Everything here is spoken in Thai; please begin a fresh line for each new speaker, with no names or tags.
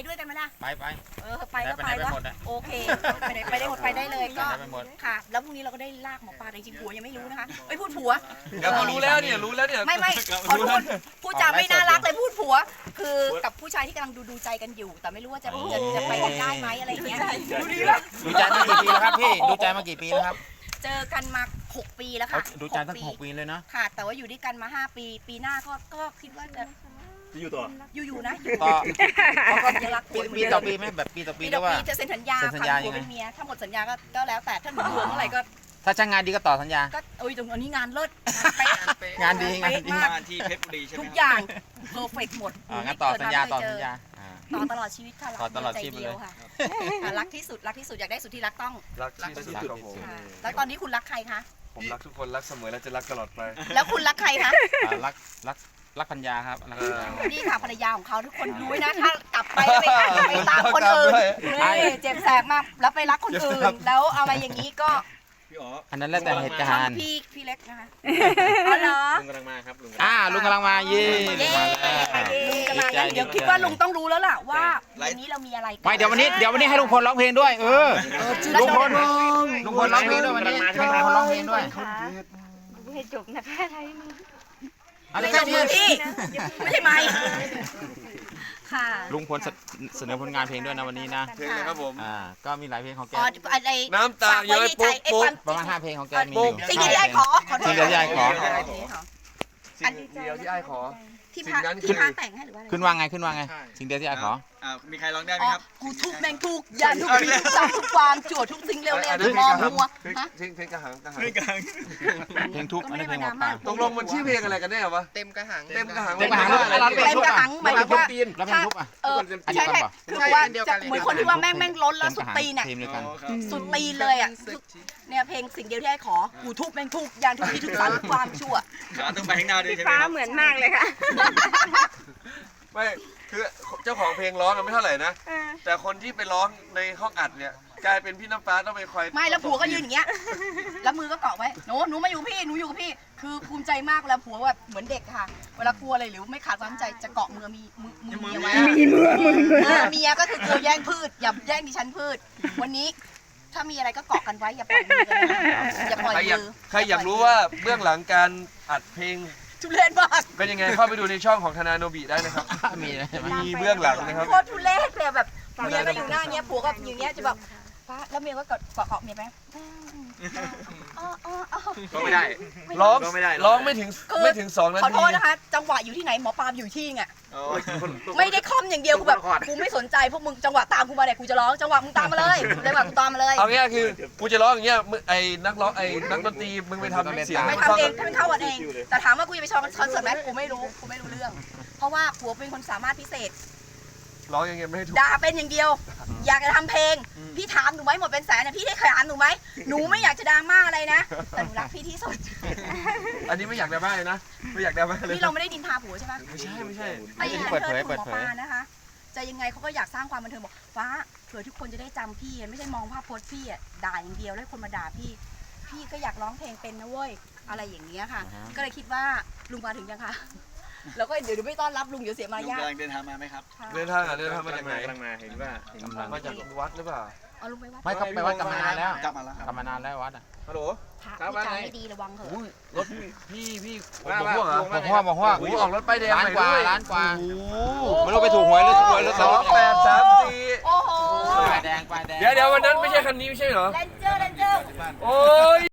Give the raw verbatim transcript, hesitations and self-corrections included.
ด้วยกันไหมล่ะ
ไปไป
เออไปก็ไปวะโอเคไปไหนไปได้หมดไปได้เลยก็ค่ะแล้วพรุ่งนี้เราก็ได้ลากหมอปลาจริงๆผัวยังไม่รู้นะคะไม่พูดผัว
เดี๋ยวรู้แล้วเนี่ยรู้แล้วเนี่ย
ไม่ไม่ขอโทษผู้จาไม่น่ารักเลยพูดผัว คือกับผู้ชายที่กำลังดูดูใจกันอยู่ แต่ไม่รู้ว่าจะจะจะไปกันได้ไหมอะไรอย่างเงี้ยดูดีป่ะ
ดูใจมากี่ปีแล้วครับพี่ดูใจมากี่ปีแล้วครับ
เจอกันมาหกปีแล้วค่ะ
ดูใจตั้งหกปีเลยเนาะ
ค่ะแต่ว่าอยู่ด้วยกันมาห้าปีปีหน้าก็ก็คิดว่าจะ
จะอยู่ต่อ
อยู่ๆนะ
ต่อ
ก็ยังรัก
ปีปีต่อปีไหมแบบปีต่อปี
ปี
ห
ต่
รือ อว่า
ปีจะเซ็นสัญญา
เซ็นสัญญา
ค่ะผัวเป็นเมียถ้าหมดสัญญาก็ก็แล้วแต่ถ้าหนูเหลือเมื่อไหร่ก็
ถ้าช่างงานดีก็ต่อสัญญา
ก็โอ้ยตรงนี้งานเลิศ
งานดีงานดี
มาก
งานที่เพชรบุรีใช่ไหม
ทุกอย่างเพอร์เฟกหมด
อ่างั้นต่อสัญญาต่อสัญญา
ต่อตลอดชีวิตค่ะ
ต่อตลอดชีวิต
ใจเดียวค่ะรักที่สุดรักที่สุดอยากได้สุดที่รักต้อง
รักที่สุดครับผม
ค่ะแล้วตอนนี้คุณรักใครคะ
ผมรักทุกคนรักเสมอและจะรักตลอดไป
แล้วคุณรักใครคะ
รักรักรักพัญญาครับรักพัญญา
นี่ค่ะภรรยาของเขาทุกคนดูไว้นะถ้ากลับไปแล้วไปไปตามคนอื่นนี่เจ็บแสบมากแล้วไปรักคนอื่นแล้วอะไรอย่างนี้ก็
พี่อ๋อ
อันนั้นแล้วแต่เหตุการณ์
พี่พี่เล็กนะคะอ๋อเหรอ
ลุงกำลังมาครับลุง
อ่าลุงกำลังมาเย่ลุงมาแล้ว
ลุงจะมาแล้วเดี๋ยวคิดว่าลุงต้องรู้แล้วล่ะว่าวันนี้เรามีอะไรกัน
ไม่เดี๋ยววันนี้เดี๋ยววันนี้ให้ลุงพลร้องเพลงด้วยเออลุงพลลุงพลร้องเพลงด้วยวันนี้ให้ลุงพลร้องเพลงด้วย
ดูให้จบนะคะไทยมือ
อะไร
ไม่
กั
ใช่
น
มือพี่ไม่ใช่ไม้ค่ะ
ลุงพลเสนอผลงานเพลงด้วยนะวันนี้นะ
เพลงเลยครับผม
อ่าก็มีหลายเพลงของแก
อ๋ออะไร
น้ำตาย้อยปุ๊บปุ๊บ
ประมาณห้าเพลงของแกมีอยู่
สิ่งที่ได้ขอขอโทษ
สิ่งที่ได้ขอ
สิ่งเดียวที่ไอ้ขอ
ที่พาที่พาแต่งให้หรือว่าอะไร
ขึ้นว่าไงขึ้นว่าไงสิ่งเดียวที่อาขอ
อ่ามีใครร้องได้ไหม
อ๋อ
ครับ
กูทุกแม่งทุกยันทุกทีทุกจำทุกความจั่วทุกสิ่งเร็วๆทุกมองมัวฮะ
เพลงเพลงกระหังกระหัง
เพลงทุกอันนี้เพลงหมอปลา
ตกลงมันชื่อเพลงอะไรกันแน่วะ
เต็มกระหัง
เต็มกระหัง
เต็มกระหัง
อะไร
เต็มกระหังหมายถึงว่า
แล้วเพลงทุกอ่ะ
เออใช่ใช่คือว่าจะเหมือนคนที่ว่าแม่งแม่งล้นแล้วสุดตีนเนี่ย
ทีมเดียวกัน
สุดตีนเลยอ่ะเนี่ยเพลงสิ่งเดียวที่ให้ขอกูทุบแม่งทุกยานทุกที่ทุกสารทุกความชั่ว
ขาต้องไปข้างหน้าด้วยใช่ไหม
ฟ้าเหมือนมากเลยค่ะ
ไม่คือเจ้าของเพลงร้องกันไม่เท่าไหร่นะ แต่คนที่ไปร้องในห้องอัดเนี่ยกลายเป็นพี่น้ำฟ้าต้องไปคอย
ไม่แล้วผัวก็ยืนอย่างเงี้ยแล้วมือก็เกาะไว้หนูหนูมาอยู่พี่หนูอยู่กับพี่คือภูมิใจมากเวลาผัวแบบเหมือนเด็กค่ะเวลากลัวอะไรหรือไม่ขาดความใจจะเกาะมือมีมือมือเมียไว้
มีมือมือมือ
เออเมียก็คือกลัวแย่งพืชอย่าแย่งดิฉันพืชวันนี้ถ้ามีอะไรก็เกาะกันไว้อย่าปล่อยมือกันนะอย่าปล่อย
ใครอยาก
มือ
ใครอยากรู้ว่าเบื้องหลังการอัดเพลง
ทุเรศมาก
เป็นยังไงเข้าไปดูในช่องของธนาโนบิได้นะครับ
มีใช่ไหม
มีเบื้องหลังนะครับ
โคตรทุเรศเลยแบบเมียก็อยู่หน้าเนี้ยผัวก็อยู่เนี้ยจะแบบฟ้าแล้วเมียก็กอดเกาะเกาะเมียไปอ๋ออ๋ออ๋อ
ก็ไม่ได้ ร้องร้องไม่ถึง
คือ
ไม่ถึงสองนา
ขอ
ที
โทษนะคะ จังหวะอยู่ที่ไหนหมอปลาอยู่ที่ไงไม่ได้คอมอย่างเดียวกูแบบกูไม่สนใจพวกมึงจังหวะตามกูมาเนี่ยกูจะร้องจังหวะมึงตามมาเลยจังหวะกูตามมาเลย
เอางี้คือกูจะร้องอย่างเงี้ยมึงไอ้นักร้องไอ้นักดนตรีมึงไปทำเสียง
ไม่ทำเองถ้าเป็นเข้าวันเอง แต่ถามว่ากูจะไปชมคอนเสิร์ตไหมกูไม่รู้กูไม่รู้เรื่อง เพราะว่าผัวเป็นคนสามารถพิเศษ
ร้องอย่างเงี้ยไม่ให้ถูก
ด่าเป็นอย่างเดียว อยากจะทำเพลง พี่ถามหนูไหมหมดเป็นแสนนะพี่ได้เคยถามหนูไหมหนูไม่อยากจะดราม่าอะไรนะแต่หนูรักพี่ที่สุด
อันนี้ไม่อยากดราม่าเลยนะไม่อยากดราม่าเลย
นี่เราไม่ได้ดินทาผัวใช่ไหม
ไม่ใช่ไม่ใช่
ไม่ใช่เปิดเผยเปิดเผยนะคะจะยังไงเขาก็อยากสร้างความบันเทิงบอกฟ้าเผื่อทุกคนจะได้จำพี่ไม่ใช่มองภาพโพสพี่อ่ะด่าอย่างเดียวแล้วคนมาด่าพี่ พี่ก็อยากร้องเพลงเป็นนะเว้ยอะไรอย่างเงี้ยค่ะ ก็เลยคิดว่าลุงมาถึงยังคะแล้วก็เดี๋ยวไม่ต้อนรับลุงเดี๋ยวเสียมารยาท
เดินทางมาไหมครับ
เดินทางอ่ะเดินทางมาจากไหน
กำลังมาเห็นว่าเห็นว่า
มาจากวัดหรือเปล่า
เอาลุงไปวัด
ไม่ก็ไปวัดกลับมานานแล้ว
กลับมาแล้ว
กลับมานานแล้ววัดอ่ะ
ฮัลโหล
พระพูดจาไม่ดีระวังเถอะ
อุ้ยรถพี่พี่
ว่า
บอกพวกเหรอ
ว่า
บอกว่าบอกว่า
อุ้ยออกรถป้ายแดง
ล้าน
ใหม่
กว่า
ด้วย
ล้านกว่า
โอ้โห
ไม่รู้ไปถูกหวยหรือถูกหวยหรือ
สองแปดสามสี่
โอ้โห
ป้ายแดงป้ายแดง
เดี๋ยวเดี๋ยววันนั้นไม่ใช่คันนี้ไม่ใช่เหรอ
เรนเจอร์เรนเจอร์
โอ้ย